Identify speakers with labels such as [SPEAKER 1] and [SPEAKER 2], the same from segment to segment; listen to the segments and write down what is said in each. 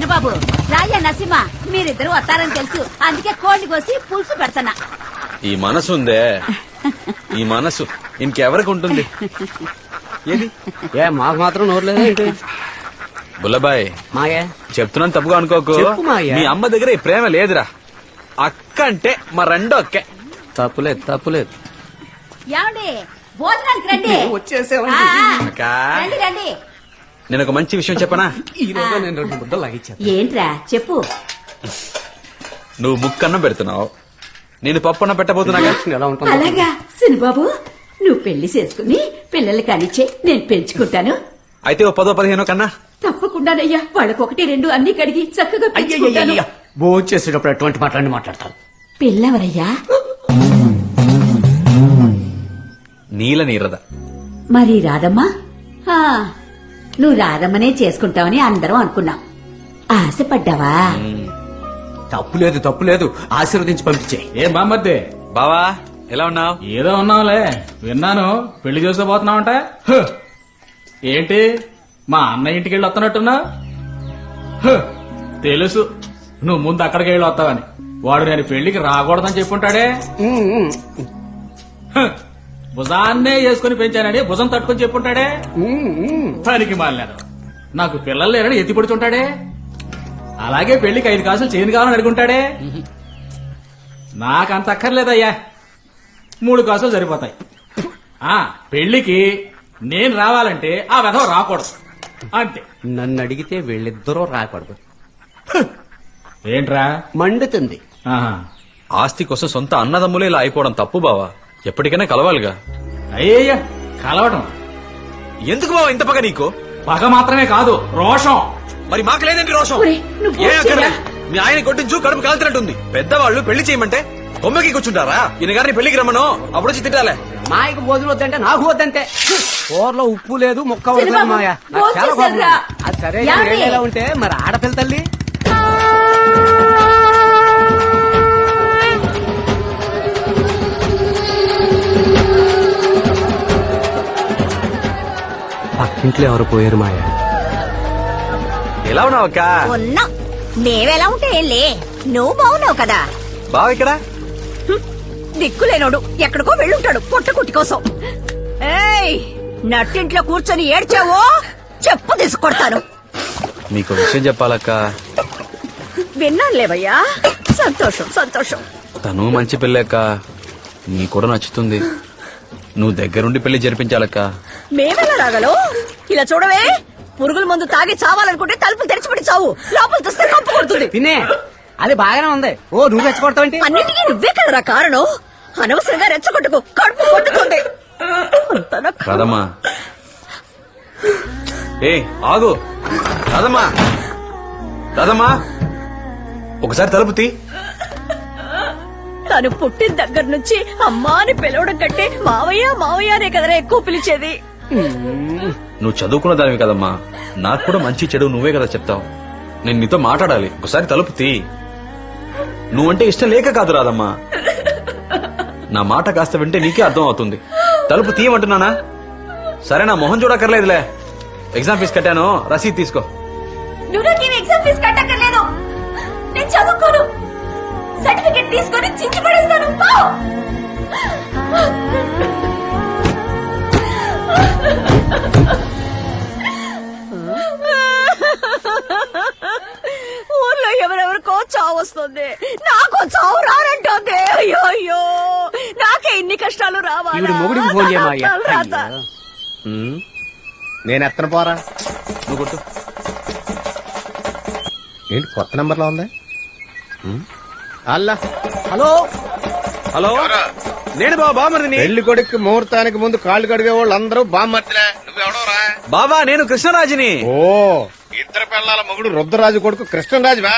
[SPEAKER 1] చిన్నబాబు, రాజా నరసింహ మీరిద్దరు వస్తారని తెలుసు, అందుకే కోడిని కోసి పులుసు పెడతానా.
[SPEAKER 2] ఈ మనసు ఉందే, ఈ మనసు ఇంకెవరికి ఉంటుంది? ఏది
[SPEAKER 3] ఏ మాకు మాత్రం నోరు లేదా?
[SPEAKER 2] బుల్లబాయ్
[SPEAKER 3] మాయా
[SPEAKER 2] చెప్తున్నాను, తప్పుగా అనుకోకు.
[SPEAKER 3] చెప్పు మాయా.
[SPEAKER 2] మీ అమ్మ దగ్గర ఈ ప్రేమ లేదురా. అక్క అంటే మా రెండో అక్కే.
[SPEAKER 3] తప్పులేదు తప్పులేదు.
[SPEAKER 1] ఏమండి భోజనానికి రండి.
[SPEAKER 3] వచ్చేసేవండి.
[SPEAKER 2] అక్కా,
[SPEAKER 1] రండి రండి.
[SPEAKER 2] నేను ఒక మంచి విషయం చెప్పనా?
[SPEAKER 3] ఈ రోజు నేను 2 ముద్దలు లాగిచ్చాను.
[SPEAKER 1] ఏంట్రా చెప్పు.
[SPEAKER 2] నువ్వు ముక్కన్నం పెడుతున్నావు, నేను పప్పన్నం పెట్టబోతున్నాగా.
[SPEAKER 3] ఎలా ఉంటుంది?
[SPEAKER 1] అలాగా చిన్నబాబు, నువ్వు పెళ్లి చేసుకుని పిల్లలు కానిచ్చే, నేను పెంచుకుంటాను.
[SPEAKER 2] అయితే ఓ 10-15 కన్నా.
[SPEAKER 1] తప్పకుండానయ్యా, వాళ్ళకొకటి 2 అన్ని కడిగి చక్కగా పెంచుకుంటాను.
[SPEAKER 3] భోజనం చేసేటప్పుడు ఎటువంటి మాట్లాడతాను.
[SPEAKER 1] పిల్లవరయ్యా?
[SPEAKER 2] నీల నీరద.
[SPEAKER 1] మరి రాదమ్మా? ఆ, నువ్వు రాదమ్మనే చేసుకుంటావని అందరం అనుకున్నాం. ఆశపడ్డావా?
[SPEAKER 3] తప్పులేదు తప్పులేదు, ఆశీర్వదించి పంపించే.
[SPEAKER 4] ఏం బామ్మద్దే
[SPEAKER 2] బావా ఎలా ఉన్నావు?
[SPEAKER 4] ఏదో ఉన్నావులే, విన్నాను పెళ్లి చేసుకోబోతున్నావంట. హ్, ఏంటి మా అన్న ఇంటికి వెళ్ళి వస్తున్నట్టున్నా? తెలుసు నువ్వు ముందు అక్కడికి వెళ్ళి వస్తావని. వాడు నేను పెళ్లికి రాకూడదని చెప్పుంటాడే. హ్, భుజాన్నే వేసుకుని పెంచానని భుజం తట్టుకుని చెప్పుంటాడే. పనికి మాలినాడు, నాకు పిల్లలు లేరని ఎత్తి పడుతుంటాడే. అలాగే పెళ్లికి 5 కాసులు చేయను కావాలని అడుగుంటాడే. నాకంత అక్కర్లేదయ్యా, 3 కాసులు సరిపోతాయి. ఆ పెళ్లికి నేను రావాలంటే ఆ వెధవ రాకూడదు అంతే.
[SPEAKER 3] నన్ను అడిగితే వీళ్ళిద్దరూ రాకూడదు.
[SPEAKER 4] ఏంట్రా
[SPEAKER 3] మండుతుంది.
[SPEAKER 4] ఆహా.
[SPEAKER 2] ఆస్తి కోసం సొంత అన్నదమ్ములే ఇలా అయిపోవడం తప్పు బావా. ఎప్పటికైనా కలవాలిగా.
[SPEAKER 4] అయ్యయ్యా కలవటం
[SPEAKER 2] ఎందుకు బావా ఇంత పగ నీకు?
[SPEAKER 4] పగ మాత్రమే కాదు, రోషం.
[SPEAKER 2] మరి మాకు లేదండి రోషం.
[SPEAKER 1] ఒరేయ్, నువ్వు
[SPEAKER 2] ఏ అక్కర్లే.
[SPEAKER 1] చేయరా?
[SPEAKER 2] మీ ఆయన కొట్టించు, కడుపు కాల్చినట్టుంది. పెద్దవాళ్ళు పెళ్లి చేయమంటే కొమ్మకి కూర్చుంటారా? ఈయన గారిని పెళ్లికి రమ్మను, అప్పుడు వచ్చి తిట్టాలే.
[SPEAKER 3] మాయకు భోజనం వద్దంటే నాకు వద్దంటే. కూరలో ఉప్పు లేదు, ముక్క వద్దు
[SPEAKER 1] చిన్నబాబు,
[SPEAKER 3] మాయా. నాకు
[SPEAKER 1] భోజనం
[SPEAKER 3] చాలా కోపం
[SPEAKER 1] చేశారా?
[SPEAKER 3] ఉంది. అది సరే
[SPEAKER 1] ఏమండి?
[SPEAKER 3] ఎలా ఉంటే మరి ఆడపిల్ల తల్లి. పక్కింట్లో ఎవరు పోయారు మాయా?
[SPEAKER 2] ఎలా ఉన్నావు అక్క?
[SPEAKER 1] ఉన్నా. మేమెలా ఉంటే ఏంలే, నువ్వు బాగున్నావు కదా.
[SPEAKER 2] బావ ఇక్కడ?
[SPEAKER 1] దిక్కులేనోడు ఎక్కడికో వెళ్ళుంటాడు పొట్ట కుట్టి కోసం. ఏయ్, నట్టింట్లో కూర్చొని ఏడ్చావో చెప్పు తీసుకొడతాను.
[SPEAKER 2] నీకు విషయం చెప్పాలక్క.
[SPEAKER 1] విన్నానులేవయ్యా, సంతోషం సంతోషం.
[SPEAKER 2] తను మంచి పెళ్ళక్క, నీ కూడా నచ్చుతుంది. నువ్వు దగ్గరుండి పెళ్లి జరిపించాలక్క.
[SPEAKER 1] మేమెలా రాగలం? ఇలా చూడవే, పురుగుల మందు తాగి చావాలనుకుంటే తలుపులు తెరిచిపెట్టి చావు, లోపల చూస్తే కంపు కొడుతుంది.
[SPEAKER 3] తినే అది బాగానే ఉంది. ఓ నువ్వు రెచ్చగొడతావంటే?
[SPEAKER 1] అన్నిటికీ నువ్వే కదరా కారణం. అనవసరంగా రెచ్చగొట్టుకు, కడుపు కొట్టుకుంది.
[SPEAKER 2] రాదమ్మా, ఏ ఆగు. రాదమ్మా, రాదమ్మా, ఒకసారి తలుపు తీ.
[SPEAKER 1] తను పుట్టిన దగ్గర నుంచి అమ్మా అని పిలవడం కంటే మావయ్య మావయ్య అనే కదరా ఎక్కువ పిలిచేది.
[SPEAKER 2] నువ్వు చదువుకున్న దానివి కదమ్మా, నాకు కూడా మంచి చెడు నువ్వే కదా చెప్తావు. నేను నీతో మాట్లాడాలి, ఒకసారి తలుపు తీ. నువ్వంటే ఇష్టం లేక కాదు రాదమ్మా, నా మాట కాస్త వింటే నీకే అర్థం అవుతుంది. తలుపు తీయమంటున్నానా? సరే, నా మొహం చూడక్కర్లేదులే. ఎగ్జామ్ ఫీజు కట్టాను, రసీదు తీసుకో.
[SPEAKER 1] నువ్వు నాకేం ఎగ్జామ్ ఫీజు కట్టక్కర్లేదు, నేను చదువుకోను. సర్టిఫికెట్ తీసుకొని చించి పడేస్తాను. ఊర్లో ఎవరెవరికో చావు వస్తుంది, నాకు చావు రానంటుంది. అయ్యో అయ్యో, నాకే ఇన్ని కష్టాలు రావాలి.
[SPEAKER 3] ఈవిడ మొగుడికి ఫోన్ చేయమాయ్యా.
[SPEAKER 5] నేను ఎత్తన పోరా.
[SPEAKER 2] నువ్వు కొట్టు.
[SPEAKER 5] ఏంటి కొత్త నంబర్లో ఉందా? అల్లా,
[SPEAKER 3] హలో
[SPEAKER 2] హలో, నేను బాబా బామర్దిని.
[SPEAKER 5] పెళ్లి కొడుకు ముహూర్తానికి ముందు కాళ్ళు కడిగే వాళ్ళు అందరూ బామ్మర్తిలే. నువ్వెవడోరా?
[SPEAKER 2] బాబా నేను కృష్ణరాజుని.
[SPEAKER 5] ఓ, ఇద్దరు పిల్లల మొగుడు రుద్రరాజు కొడుకు కృష్ణరాజువా?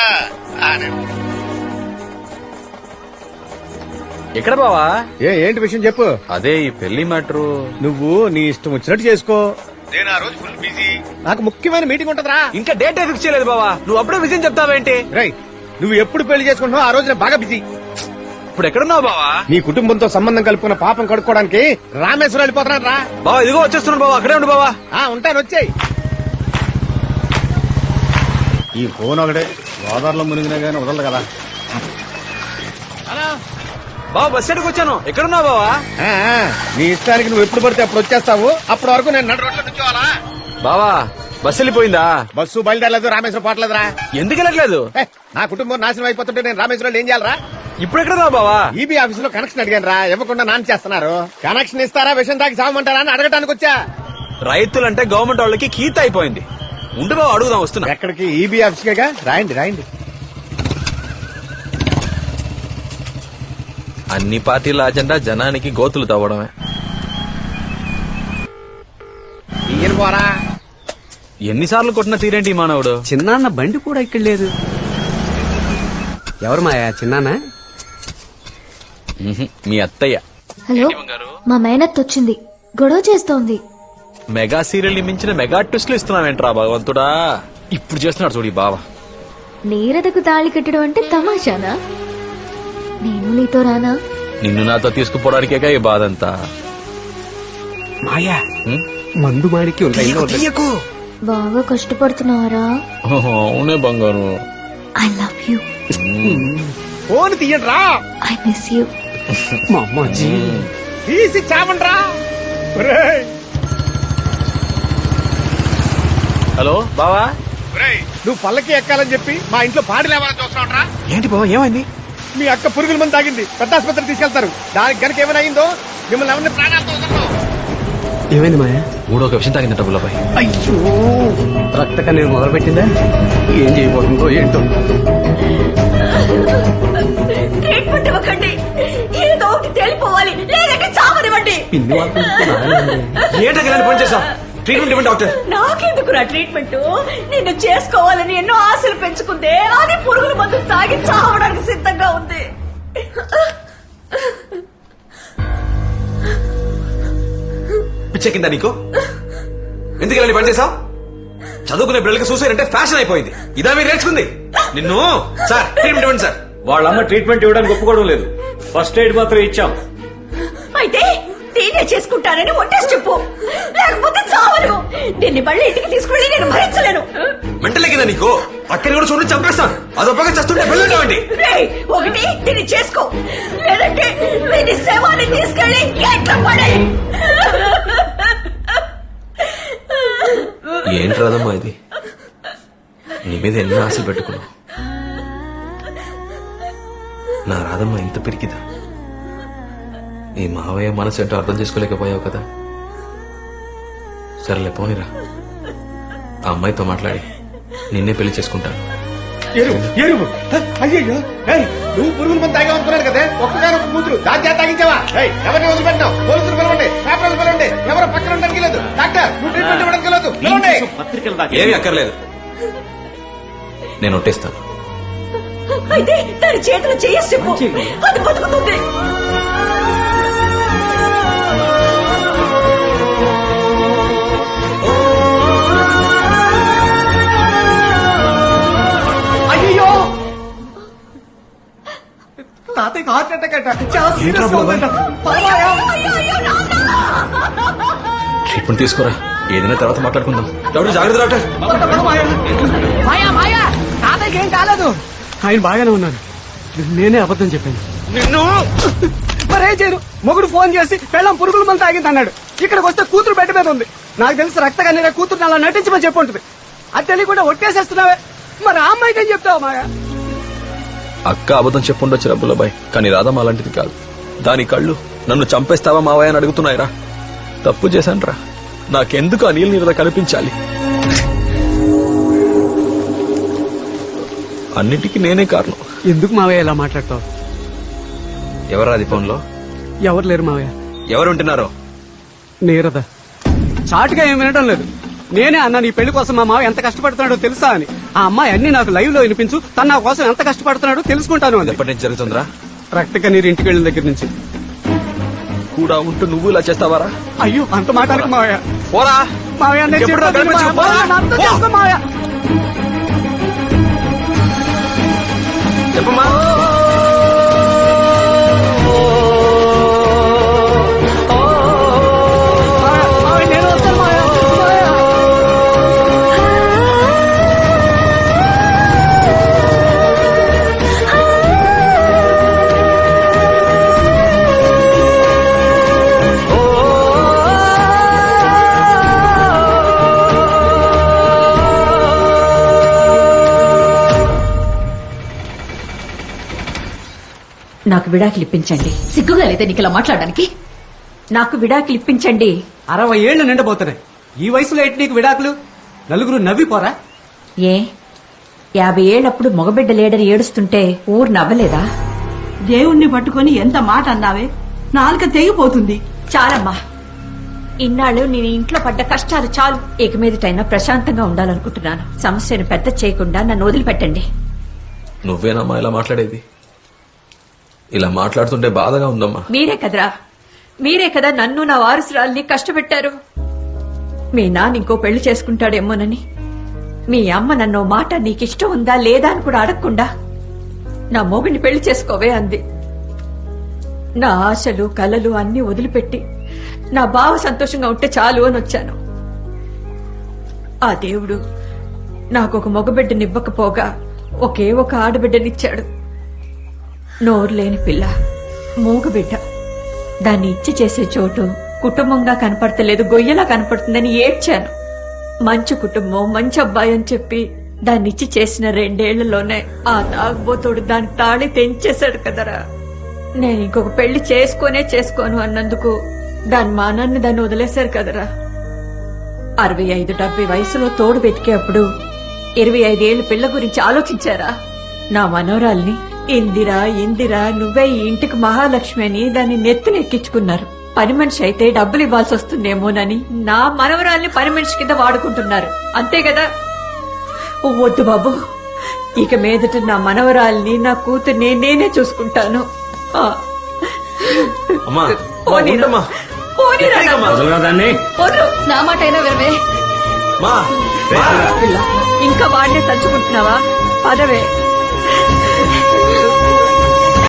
[SPEAKER 2] ఎక్కడ బావా?
[SPEAKER 5] ఏంటి విషయం చెప్పు.
[SPEAKER 2] అదే ఈ పెళ్లి మ్యాటరు.
[SPEAKER 5] నువ్వు నీ ఇష్టం వచ్చినట్టు చేసుకో. నేను ఆ రోజు ఫుల్ బిజీ, నాకు ముఖ్యమైన మీటింగ్ ఉంటదిరా.
[SPEAKER 2] ఇంకా డేట్ ఫిక్స్ చేయలేదు బావా, నువ్వు అప్పుడే విషయం చెప్తావేంటి?
[SPEAKER 5] రై, నువ్వు ఎప్పుడు పెళ్లి చేసుకుంటున్నావు ఆ రోజు నేను బాగా బిజీ.
[SPEAKER 2] ఇప్పుడు ఎక్కడున్నావు బావా?
[SPEAKER 5] నీ కుటుంబంతో సంబంధం కలుపుకున్న పాపం కడుక్కోవడానికి రామేశ్వరం వెళ్ళిపోతున్నాను రా.
[SPEAKER 2] బావా ఇదిగో వచ్చేస్తున్నాను బావా, అక్కడే ఉండు బావా.
[SPEAKER 5] ఉంటాను, వచ్చేయి. ఈ ఫోన్ ఒకటే గోదావరిలో మునిగినా గానీ వదలదు కదా.
[SPEAKER 2] బావ బస్ స్టాండ్కి వచ్చాను. ఎక్కడున్నావు బావా?
[SPEAKER 5] ఆ, నీ ఇష్టానికి నువ్వు ఎప్పుడు పడితే అప్పుడు వచ్చేస్తావు. అప్పటి వరకు నేను నడు రోడ్లో కూర్చోవాలా?
[SPEAKER 2] బావా బస్ వెళ్ళిపోయిందా?
[SPEAKER 5] బస్సు బయలుదేరలేదు, రామేశ్వరం పోవట్లేదురా.
[SPEAKER 2] ఎందుకు వెళ్ళట్లేదు?
[SPEAKER 5] ఏ, నా కుటుంబం నాశనం అయిపోతుంటే నేను రామేశ్వరంలో ఏం చేయాలరా?
[SPEAKER 2] ఇప్పుడు ఎక్కడున్నావు బావా?
[SPEAKER 5] ఈబీ ఆఫీస్ లో కనెక్షన్ అడిగాను రా, ఇవ్వకుండా నాన్న చేస్తున్నారు. కనెక్షన్ ఇస్తారా విషయం తాకి సాగమంటారా అని అడగటానికి వచ్చా.
[SPEAKER 2] రైతులంటే గవర్నమెంట్ వాళ్ళకి కీత అయిపోయింది. ఉండు బావ, అడుగుదాం. వస్తున్నా.
[SPEAKER 5] ఎక్కడికి? ఈబీ ఆఫీస్ కేగా. రాయండి రాయండి.
[SPEAKER 2] అన్ని పార్టీల అజెండా జనానికి గోతులు తవ్వడమే.
[SPEAKER 5] ఈయన పోరా.
[SPEAKER 2] ఎన్నిసార్లు కొట్టిన తీరేంటి ఈ మానవుడు?
[SPEAKER 3] చిన్నాన్న బండి కూడా ఇక్కడ లేదు. ఎవరు మాయా చిన్నాన్న?
[SPEAKER 2] మీ అత్తయ్య.
[SPEAKER 6] హలో, మా మేనత్ వచ్చింది, గొడవ చేస్తోంది.
[SPEAKER 2] మెగా సీరియల్ ని మించిన మెగా ట్విస్ట్లు ఇస్తున్నావేంట్రా భగవంతుడా. ఇప్పుడు చేస్తున్నాడు చూడు ఈ బావ.
[SPEAKER 6] నీరదకు తాళి కట్టడం అంటే తమాషానా? నేను నీతో రానా?
[SPEAKER 2] నిన్ను నాతో తీసుకుపోవడానికేగా ఈ బాధ అంతా.
[SPEAKER 3] మాయా
[SPEAKER 2] హ్మ్?
[SPEAKER 3] మందు మాడికి
[SPEAKER 2] తీయకు.
[SPEAKER 6] బాగా కష్టపడుతున్నారా?
[SPEAKER 2] ఓహో, అవునే బంగారు.
[SPEAKER 6] I love you.
[SPEAKER 5] ఫోన్ తీయండి రా.
[SPEAKER 6] I miss you.
[SPEAKER 3] మా అమ్మాజీ
[SPEAKER 5] తీసి చావండ్రా. ఒరేయ్.
[SPEAKER 2] హలో బావా.
[SPEAKER 5] ఒరేయ్, నువ్వు పల్లకి ఎక్కాలని చెప్పి మా ఇంట్లో పాడి లేవాలని చూస్తున్నావురా.
[SPEAKER 2] ఏంటి బావా, ఏమైంది?
[SPEAKER 5] మీ అక్క పురుగుల మంది తాగింది, పెద్ద ఆసుపత్రికి తీసుకెళ్తారు. దానికి గనక ఏమైనా అయిందో మిమ్మల్ని ఎవరిని ప్రాణాలతో వదలరు.
[SPEAKER 3] ఏమైంది మాయా?
[SPEAKER 2] మూడో ఒక విషయం తాగిందట బుల్లబాయ్.
[SPEAKER 3] అయ్యో, రక్త కన్నీరు మొదలు పెట్టిందా? ఏం చేయబోతుందో ఏంటో.
[SPEAKER 1] ట్రీట్మెంట్ ఇవ్వకండి, ఏదో ఒకటి తేలిపోవాలి, లేదంటే చావనివ్వండి.
[SPEAKER 3] పిన్ని వాళ్ళు
[SPEAKER 2] ఏంటని పని చేసావు? ట్రీట్మెంట్ ఇవ్వండి డాక్టర్.
[SPEAKER 1] నాకెందుకురా ట్రీట్మెంట్? నిన్ను చేసుకోవాలని ఎన్నో ఆశలు పెంచుకుందే, అది పురుగుల మందు తాగి చావడానికి సిద్ధంగా ఉంది.
[SPEAKER 2] పిచ్చెక్కిందా నీకు? ఎందుకు ఇలా పని చేసావు? చదువుకునే పిల్లలకి సూసైడ్ అంటే ఫ్యాషన్ అయిపోయింది. ఇదా మీరు నేర్చుకుంది? నిన్ను సార్ ట్రీట్మెంట్ ఇవ్వండి సార్.
[SPEAKER 7] వాళ్ళమ్మ ట్రీట్మెంట్ ఇవ్వడానికి ఒప్పుకోవడం లేదు. ఫస్ట్ ఎయిడ్ మాత్రం ఇచ్చాం.
[SPEAKER 1] అయితే నేనే చేసుకుంటానని ఒట్టేసి చెప్పు, లేకపోతే చావను. దీన్ని మళ్ళీ ఇంటికి తీసుకెళ్ళి నేను భరించలేను.
[SPEAKER 2] మెంటలెక్కిందా నీకు? అక్కని కూడా చూడండి, చంపేస్తాను. అదొప్పగా చేస్తుంటే వెళ్ళండి.
[SPEAKER 1] రేయ్, ఒకటి దీన్ని చేసుకో, లేదంటే వీని శవాన్ని తీసుకెళ్ళి ఎట్లా పడే.
[SPEAKER 2] ఏంటి రాదమ్మా ఇది? నీ మీద ఎన్నో ఆశలు పెట్టుకున్నావు. నా రాదమ్మా ఇంత పెరిగిదా? ఈ మావయ్య మనసు ఏంటో అర్థం చేసుకోలేకపోయావు కదా. సరేలే పోనిరా, ఆ అమ్మాయితో మాట్లాడి నిన్నే పెళ్లి చేసుకుంటాను.
[SPEAKER 5] ఎరువు అయ్యో, నువ్వు పురుగుల మంది తాగామనుకున్నాను కదా. ఒక్కగారు ఒక కూతురు దాని తాగించావా? ఎవరిని వదిలిపెట్టావు? పోలీసులు పిలవండి, పేపర్లు పిలవండి. ఎవరు పక్కన ఉండడానికి లేదు. డాక్టర్, నువ్వు ట్రీట్మెంట్ ఇవ్వడానికి లేదు. పిలవండి.
[SPEAKER 7] పత్రికలు దాకా
[SPEAKER 2] ఏమీ అక్కర్లేదు, నేను ఒట్టేస్తాను.
[SPEAKER 1] అయితే దాని చేతులు చేసి చెప్పు, అది బతుకుతుంది.
[SPEAKER 3] అయ్యో, తాతయ్య హార్ట్ అటాక్ అట. చాలా సీరియస్ గా ఉందంట.
[SPEAKER 2] ట్రీట్మెంట్ తీసుకోరా, ఏదైనా తర్వాత మాట్లాడుకుందాం. డాక్టర్ జాగ్రత్త డాక్టర్.
[SPEAKER 3] మాయా మాయా, తాతయ్యకి ఏం కాలేదు. ఆయన బాగానే ఉన్నారు. నేనే అబద్ధం చెప్పాను.
[SPEAKER 2] నిన్ను
[SPEAKER 3] మరేం చేయరు. మొగుడు ఫోన్ చేసి పెళ్ళం పురుగుల మంది తాగింది అన్నాడు. ఇక్కడికి వస్తే కూతురు బెడ్ మీద ఉంది. నాకు తెలిసి రక్త కన్నీర కూతురు అలా నటించమని చెప్పి ఉంటుంది. అది తెలియకుండా ఒట్టేసేస్తున్నావే. మరి ఆ అమ్మాయికి ఏం చెప్తావు మాయా?
[SPEAKER 2] అక్క అబద్ధం చెప్పుండొచ్చు రబ్బులబాయ్, కానీ రాధమ్మ అలాంటిది కాదు. దాని కళ్ళు నన్ను చంపేస్తావా మావయ్య అని అడుగుతున్నాయిరా. తప్పు చేశానురా, నాకెందుకు ఆ నీళ్ళ నీరద కనిపించాలి? అన్నిటికీ నేనే కారణం.
[SPEAKER 3] ఎందుకు మావయ్య ఇలా మాట్లాడతావు?
[SPEAKER 2] ఎవరాది ఫోన్లో?
[SPEAKER 3] ఎవరు లేరు మావయ్య.
[SPEAKER 2] ఎవరు ఉంటున్నారో?
[SPEAKER 3] నీరద చాటుగా ఏం వినడం లేదు. నేనే అన్నా నీ పెళ్లి కోసం మా మావ ఎంత కష్టపడుతున్నాడో తెలుసా అని. ఆ అమ్మాయి అన్ని నాకు లైవ్ లో వినిపించు, తన నా కోసం ఎంత కష్టపడుతున్నాడో తెలుసుకుంటాను అని.
[SPEAKER 2] ఎప్పటి నుంచి జరుగుతుందిరా?
[SPEAKER 3] రక్త కన్నీరు ఇంటికి వెళ్ళిన దగ్గర నుంచి.
[SPEAKER 2] కూడా ఉంటూ నువ్వు ఇలా చేస్తావారా?
[SPEAKER 3] అయ్యో, అంత మాటానికి మావయ్య.
[SPEAKER 2] పోరా
[SPEAKER 3] మావయ్య, నేను
[SPEAKER 2] ఎప్పుడో
[SPEAKER 3] చెప్పేది
[SPEAKER 2] కనిపించు,
[SPEAKER 3] మావయ్య.
[SPEAKER 2] పోరా.
[SPEAKER 3] నన్ను అర్థం చేసుకో మావయ్య.
[SPEAKER 2] చెప్పమ్మా.
[SPEAKER 3] మావయ్య, నేను వస్తాను మావయ్య. మావయ్య.
[SPEAKER 1] నాకు విడాకులు ఇప్పించండి.
[SPEAKER 6] సిగ్గుగా లేదా నీకు ఇలా మాట్లాడడానికి?
[SPEAKER 1] నాకు విడాకులు ఇప్పించండి.
[SPEAKER 3] 60 ఏళ్లు నిండబోతున్నాయి. ఈ వయసులో ఏంటి నీకు విడాకులు? నలుగురు నవ్విపోరా?
[SPEAKER 1] ఏ 50 ఏళ్ళప్పుడు మగబిడ్డ లేడని ఏడుస్తుంటే ఊరు నవ్వలేదా?
[SPEAKER 8] దేవుణ్ణి పట్టుకొని ఎంత మాట అన్నావే, నాలుక తెగిపోతుంది.
[SPEAKER 1] చాలమ్మా, ఇన్నాళ్ళు నేను ఇంట్లో పడ్డ కష్టాలు చాలు. ఇక మీదటైనా ప్రశాంతంగా ఉండాలనుకుంటున్నాను. సమస్యను పెద్ద చేయకుండా నన్ను వదిలిపెట్టండి.
[SPEAKER 2] నువ్వేనమ్మా ఇలా మాట్లాడేది? ఇలా మాట్లాడుతుంటే బాధగా ఉందమ్మా.
[SPEAKER 1] మీరే కదా నన్ను నా వారసురాల్ని కష్టపెట్టారు. మీ నాన్న ఇంకో పెళ్లి చేసుకుంటాడేమోనని, మీ అమ్మ నన్ను మాట నీకిష్టం ఉందా లేదా అని కూడా అడగకుండా నా మొగుడిని పెళ్లి చేసుకోవే అంది. నా ఆశలు కలలు అన్నీ వదిలిపెట్టి నా బావ సంతోషంగా ఉంటే చాలు అని వచ్చాను. ఆ దేవుడు నాకొక మగబిడ్డనివ్వకపోగా ఒకే ఒక ఆడబిడ్డనిచ్చాడు. నోరు లేని పిల్ల, మూగబిడ్డ. దాన్ని ఇచ్చి చేసే చోటు కుటుంబంగా కనపడతలేదు, గొయ్యలా కనపడుతుందని ఏడ్చాను. మంచి కుటుంబం, మంచి అబ్బాయి అని చెప్పి దాన్ని ఇచ్చి చేసిన 2 ఏళ్లలోనే ఆ తాగుబోతోడు దాని తాళి తెంచేశాడు కదరా. నేను ఇంకొక పెళ్లి చేసుకోను అన్నందుకు దాని మానాన్ని దాన్ని వదిలేశారు కదరా. 65-70 వయసులో తోడు వెతికేప్పుడు 25 ఏళ్ల పిల్ల గురించి ఆలోచించారా? నా మనోరాల్ని ఇందిరా నువ్వే ఈ ఇంటికి మహాలక్ష్మి అని దాన్ని నెత్తినెక్కించుకున్నారు. పని మనిషి అయితే డబ్బులు ఇవ్వాల్సి వస్తుందేమోనని నా మనవరాల్ని పని మనిషి కింద వాడుకుంటున్నారు. అంతే కదా? వద్దు బాబు, ఇక మీదట నా మనవరాల్ని, నా కూతుర్ని నేనే చూసుకుంటాను.
[SPEAKER 2] అమ్మా,
[SPEAKER 1] పోనీరా.
[SPEAKER 2] ఉండమ్మా.
[SPEAKER 1] పోనీరా
[SPEAKER 2] ఎక్కడికమ్మా?
[SPEAKER 1] నన్ను.
[SPEAKER 7] వదలరా దాన్ని?
[SPEAKER 1] వదలు.
[SPEAKER 6] నా మాట అయినా వినవే.
[SPEAKER 2] మా,
[SPEAKER 1] పిల్ల, ఇంకా వాడినే తలుచుకుంటున్నావా? పదవే.